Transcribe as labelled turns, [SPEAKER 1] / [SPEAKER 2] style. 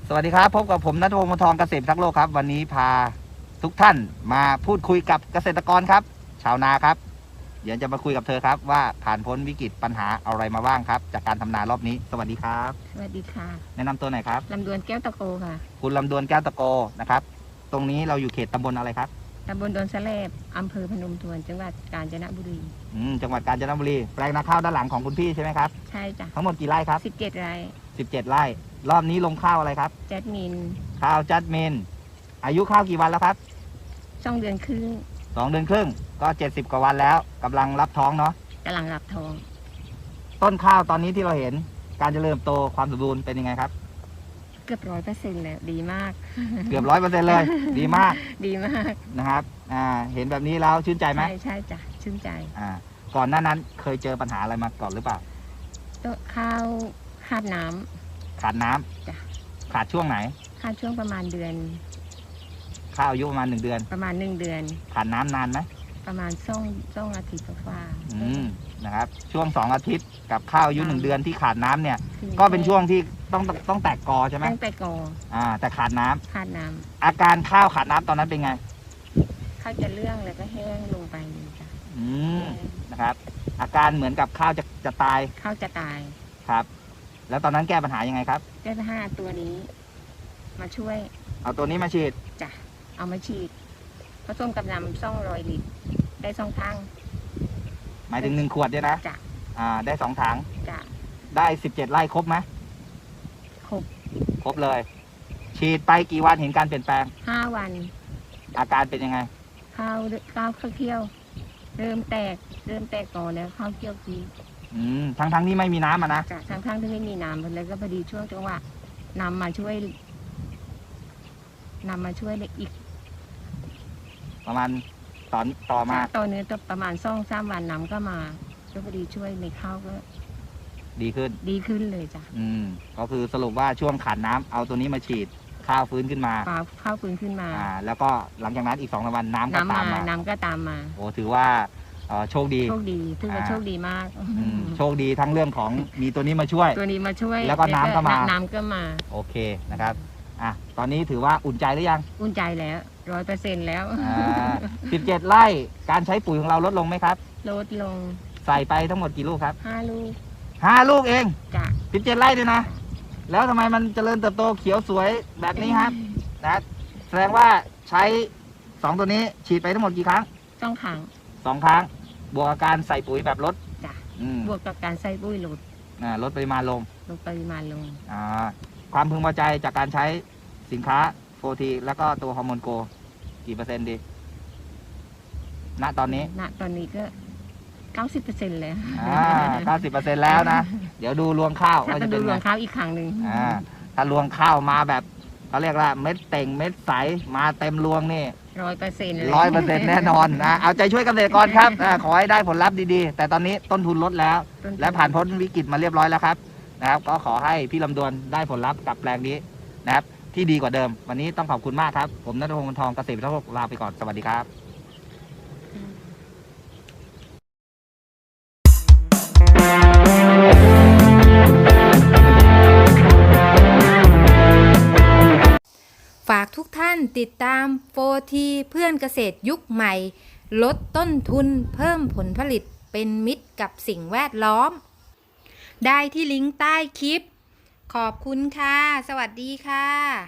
[SPEAKER 1] สวัสดีครับพบกับผมณัฐพงศ์ มนทองเกษตรทักษ์โลกครับวันนี้พาทุกท่านมาพูดคุยกับเกษตรกรครับชาวนาครับเดี๋ยวจะมาคุยกับเธอครับว่าผ่านพ้นวิกฤตปัญหาอะไรมาบ้างครับจากการทำนารอบนี้สวัสดีครับ
[SPEAKER 2] สวัสดีค่ะ
[SPEAKER 1] แนะนำตัวหน่อยครับ
[SPEAKER 2] ลำดวนแก้วตะโกค่ะ
[SPEAKER 1] คุณลำดวนแก้วตะโกนะครับตรงนี้เราอยู่เขตตำบลอะไรครับ
[SPEAKER 2] ตำบลดอนสะเลบอำเภอพนมทวนจังหวัดกาญจนบุรี
[SPEAKER 1] จังหวัดกาญจนบุรีแปลงนาข้าวด้านหลังของคุณพี่ใช่ไหมครับ
[SPEAKER 2] ใช่จ้ะ
[SPEAKER 1] ทั้งหมดกี่ไร่ครับ
[SPEAKER 2] 17 ไร่
[SPEAKER 1] 17 ไร่รอบนี้ลงข้าวอะไรครับ
[SPEAKER 2] แจ๊ดมิน
[SPEAKER 1] ข้าวจัดเมนอายุข้าวกี่วันแล้วครับ
[SPEAKER 2] 2 เดือนครึ่ง
[SPEAKER 1] 2 เดือนครึ่งก็70 กว่าวันแล้วกำลังรับท้องเนาะ
[SPEAKER 2] กำลังรับทอง
[SPEAKER 1] ต้นข้าวตอนนี้ที่เราเห็นการเจริญเติบโตความสมบูรณ์เป็นยังไงครับ
[SPEAKER 2] เกือบ100%เลยดีมาก
[SPEAKER 1] เกือบ100%เลยดีมาก
[SPEAKER 2] ดีมาก
[SPEAKER 1] นะครับเห็นแบบนี้แล้วชื่นใจไหม
[SPEAKER 2] ใช่จ้ะชื่นใจ
[SPEAKER 1] ก่อนหน้านั้นเคยเจอปัญหาอะไรมาก่อนหรือเปล่า
[SPEAKER 2] ต้นข้าวขาดน้
[SPEAKER 1] ำขาดน้ำ
[SPEAKER 2] จ้ะ
[SPEAKER 1] ขาดช่วงไหน
[SPEAKER 2] ขาดช่วงประมาณเดือน
[SPEAKER 1] ข้าวอายุประมาณ1 เดือน
[SPEAKER 2] ประมาณ1 เดือน
[SPEAKER 1] ขาดน้ำนานไหม
[SPEAKER 2] ประมาณ2 อาทิตย์ฝ่า
[SPEAKER 1] นะครับช่วง2 อาทิตย์กับข้าวอายุ1 เดือนที่ขาดน้ำเนี่ยก็เป็นช่วงที่ต้องแตกกอใช่ไหม
[SPEAKER 2] ต้องแตกกอ
[SPEAKER 1] แต่ขาดน้
[SPEAKER 2] ำ
[SPEAKER 1] อาการข้าวขาดน้ำตอนนั้นเป็นไง
[SPEAKER 2] ข้าวจะเลื่องแล้วก็แห้งลงไปจ้ะ
[SPEAKER 1] นะครับอาการเหมือนกับข้าวจะตาย
[SPEAKER 2] ข้าวจะตาย
[SPEAKER 1] ครับแล้วตอนนั้นแก้ปัญหายังไงครับ
[SPEAKER 2] แก้ปัญหาตัวนี้มาช่วย
[SPEAKER 1] เอาตัวนี้มาฉีด
[SPEAKER 2] จ้ะเอามาฉีดผสมกับน้ำ200 ลิตรได้2 ถัง
[SPEAKER 1] หมายถึง1 ขวดเนี่ยนะ
[SPEAKER 2] จ้ะ
[SPEAKER 1] ได้2 ถัง
[SPEAKER 2] จ้ะ
[SPEAKER 1] ได้17 ไร่ครบไหม
[SPEAKER 2] ครบ
[SPEAKER 1] เลยฉีดไปกี่วันเห็นการเปลี่ยนแปลง
[SPEAKER 2] 5 วัน
[SPEAKER 1] อาการเป็นยังไง
[SPEAKER 2] ข้าวเคี้ยวเริ่มแตกก่อนแล้วข้าวเคี้ยวกิน
[SPEAKER 1] ทั้งที่ไม่มีน้ำนะ
[SPEAKER 2] จ้ะทั้งที่ไม่มีน้ำเลยก็พอดีช่วงจังหวะนำมาช่วยเลยอีก
[SPEAKER 1] ประมาณต่อมา
[SPEAKER 2] ต่อเนื้อประมาณ2-3 วันน้ำก็มาก็พอดีช่วยในข้าวก็
[SPEAKER 1] ดี
[SPEAKER 2] ขึ้นเลยจ้ะ
[SPEAKER 1] ก็คือสรุปว่าช่วงขาดน้ำเอาตัวนี้มาฉีดข้าวฟื้นขึ้นมา
[SPEAKER 2] ข้าวฟื้นขึ้นมา
[SPEAKER 1] แล้วก็หลังจากนั้นอีก2 วันน้ำก็ตามมาโอ้ถือว่าโชคดี
[SPEAKER 2] ถือว่าโชคดีมาก
[SPEAKER 1] โชคดีทั้งเรื่องของมีตัวนี้มาช่วยแล้วก็น้ำก็มาโอเคนะครับตอนนี้ถือว่าอุ่นใจหรือยัง
[SPEAKER 2] อุ่นใจแล้ว100%แล้ว
[SPEAKER 1] 17 ไร่การใช้ปุ๋ยของเราลดลงไหมครับ
[SPEAKER 2] ลดลง
[SPEAKER 1] ใส่ไปทั้งหมดกี่ลูกครับ
[SPEAKER 2] 5 ลูก
[SPEAKER 1] 5 ลูกเอง
[SPEAKER 2] จ้ะ
[SPEAKER 1] 17 ไร่ด้วยนะแล้วทำไมมันเจริญเติบโตเขียวสวยแบบนี้ครับนะแสดงว่าใช้2 ตัวนี้ฉีดไปทั้งหมดกี่ครั้ง
[SPEAKER 2] 2 ครั้ง
[SPEAKER 1] 2 ครั้งบวกกับการใส่ปุ๋ยแบบลด
[SPEAKER 2] จ้ะบวกกับการใส่ปุ๋ย
[SPEAKER 1] ลดปริมาณลงความพึงพอใจจากการใช้สินค้าโฟทีแล้วก็ตัวฮอร์โมนโกกี่เปอร์เซ็นต์ดีณตอนนี้
[SPEAKER 2] ก็90%แล้ว
[SPEAKER 1] 90%แล้วนะเดี๋ยวดูรวงข้าว
[SPEAKER 2] ว่าจะเป็นรวงข้าวอีกครั้งหนึ่ง
[SPEAKER 1] ถ้ารวงข้าวมาแบบเขาเรียกว่าเม็ดเต่งเม็ดใสมาเต็มรวงนี่100%แน่นอนเอาใจช่วยเกษตรกรครับขอให้ได้ผลลัพธ์ดีๆแต่ตอนนี้ต้นทุนลดแล้วและผ่านพ้นวิกฤตมาเรียบร้อยแล้วครับนะครับก็ขอให้พี่ลำดวนได้ผลลัพธ์กับแปลงนี้นะครับที่ดีกว่าเดิมวันนี้ต้องขอบคุณมากครับผมณัฐพงศ์ มนทองเกษตรทักษ์โลกลาไปก่อนสวัสดีครับ
[SPEAKER 3] ฝากทุกท่านติดตาม4Tเพื่อนเกษตรยุคใหม่ลดต้นทุนเพิ่มผลผลิตเป็นมิตรกับสิ่งแวดล้อมได้ที่ลิงก์ใต้คลิปขอบคุณค่ะสวัสดีค่ะ